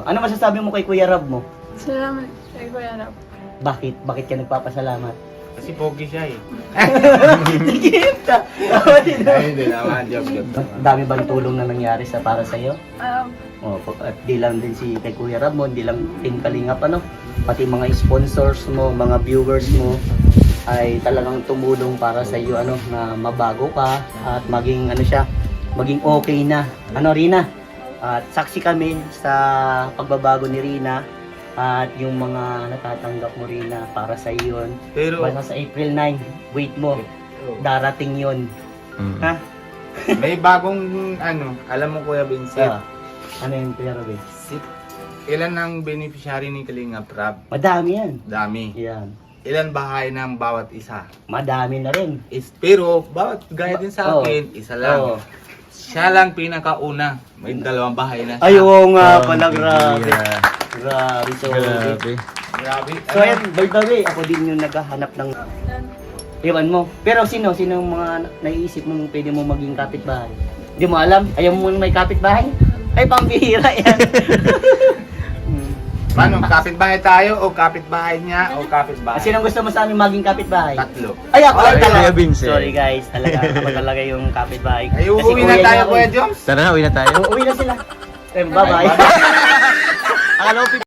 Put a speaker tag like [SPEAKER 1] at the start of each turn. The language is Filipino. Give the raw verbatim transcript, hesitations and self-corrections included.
[SPEAKER 1] Ano masasabi mo kay Kuya Rab mo?
[SPEAKER 2] Salamat kay Kuya Rab.
[SPEAKER 1] Bakit? Bakit ka nagpapasalamat?
[SPEAKER 3] Kasi pogi siya eh.
[SPEAKER 1] Nagigip ka!
[SPEAKER 3] Ay, hindi naman. Joke, joke.
[SPEAKER 1] Dami bang tulong na nangyari sa para sa'yo?
[SPEAKER 2] Um,
[SPEAKER 1] O, at di lang din si kay Kuya Rab mo, di lang Team Kalingap, ano? Pati mga sponsors mo, mga viewers mo, ay talagang tumulong para sa iyo, ano, na mabago ka at maging, ano siya, maging okay na. Ano, Rina? At saksi kami sa pagbabago ni Rina at yung mga natatanggap mo, Rina, para sa iyo yun.
[SPEAKER 3] Pero,
[SPEAKER 1] Basta sa April ninth, wait mo, darating yun.
[SPEAKER 4] Mm.
[SPEAKER 1] Ha?
[SPEAKER 3] may bagong ano, alam mo Kuya Vincent,
[SPEAKER 1] Ah, ano yung Kuya Rab eh?
[SPEAKER 3] si, ilan ang beneficiary ni Kalingap Rab?
[SPEAKER 1] Madami yan.
[SPEAKER 3] Dami.
[SPEAKER 1] Yan.
[SPEAKER 3] Ilan bahay ng bawat isa?
[SPEAKER 1] Madami na rin.
[SPEAKER 3] Is, pero, bawat gaya din sa
[SPEAKER 1] Oo.
[SPEAKER 3] akin, isa lang.
[SPEAKER 1] Oo.
[SPEAKER 3] Siya lang pinakauna. May dalawang bahay na siya.
[SPEAKER 1] Ay, oo nga
[SPEAKER 4] Oh,
[SPEAKER 1] pala, grabe.
[SPEAKER 4] yeah.
[SPEAKER 1] Grabe, so.
[SPEAKER 4] Grabe.
[SPEAKER 3] Grabe.
[SPEAKER 1] So, ayan, by the way, ako din yung naghahanap ng iwan mo. Pero sino? Sino yung mga naiisip mong pwede mo maging kapitbahay? Hindi mo alam? Ayaw mo may kapitbahay? Ay, pambihira yan. Hmm.
[SPEAKER 3] Paano, kapitbahay tayo o kapitbahay niya o kapitbahay?
[SPEAKER 1] Sino gusto mo sa amin maging kapitbahay?
[SPEAKER 3] Tatlo.
[SPEAKER 1] Ay, ako
[SPEAKER 3] Ay,
[SPEAKER 1] ay, talaga.
[SPEAKER 4] Kuya Vincent.
[SPEAKER 1] Sorry guys, talaga. Ako talaga yung kapitbahay.
[SPEAKER 3] Ay,
[SPEAKER 1] Kasi
[SPEAKER 3] uuwi na
[SPEAKER 1] kuya
[SPEAKER 3] tayo
[SPEAKER 1] niya ako
[SPEAKER 3] Kuya
[SPEAKER 1] eh.
[SPEAKER 3] Joms.
[SPEAKER 4] Tara na, uwi na tayo.
[SPEAKER 1] Uuwi na sila. Eh, bye-bye. Akala ko